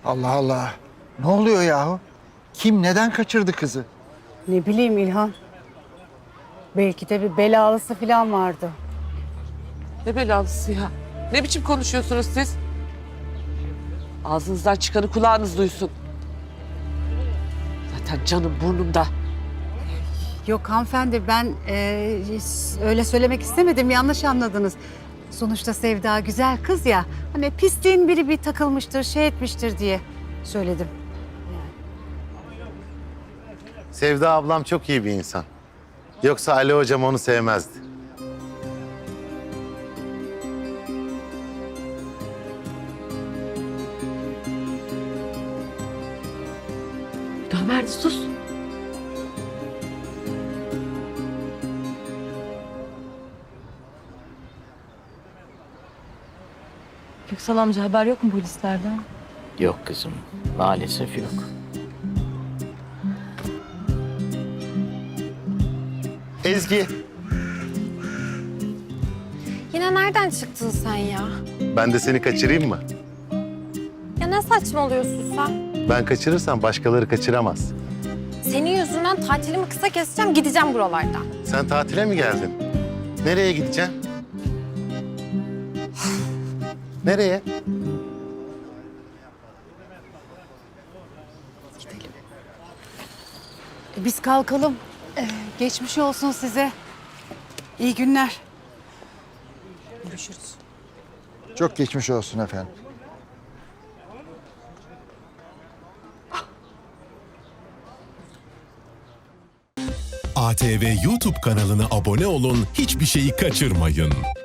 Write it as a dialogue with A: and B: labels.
A: Allah Allah. Ne oluyor yahu? Kim neden kaçırdı kızı?
B: Ne bileyim İlhan. Belki de bir belalısı falan vardı.
C: Ne belalısı ya? Ne biçim konuşuyorsunuz siz? Ağzınızdan çıkanı kulağınız duysun. Zaten canım burnumda.
B: Yok hanımefendi ben öyle söylemek istemedim. Yanlış anladınız. Sonuçta Sevda güzel kız ya. Hani pisliğin biri bir takılmıştır, şey etmiştir diye söyledim.
D: Sevda ablam çok iyi bir insan. Yoksa Ali hocam onu sevmezdi.
C: Ömer sus.
E: Köksal amca haber yok mu polislerden?
F: Yok kızım, maalesef yok.
D: Ezgi,
G: Yine nereden çıktın sen ya?
D: ben de seni kaçırayım mı?
G: Ya ne saçmalıyorsun sen?
D: Ben kaçırırsam başkaları kaçıramaz.
G: Senin yüzünden tatilimi kısa keseceğim, gideceğim buralardan.
D: Sen tatile mi geldin? Nereye gideceksin? Nereye?
B: Biz kalkalım. Geçmiş olsun size. İyi günler. Görüşürüz.
A: Çok geçmiş olsun efendim.
H: ATV YouTube kanalına abone olun, hiçbir şeyi kaçırmayın.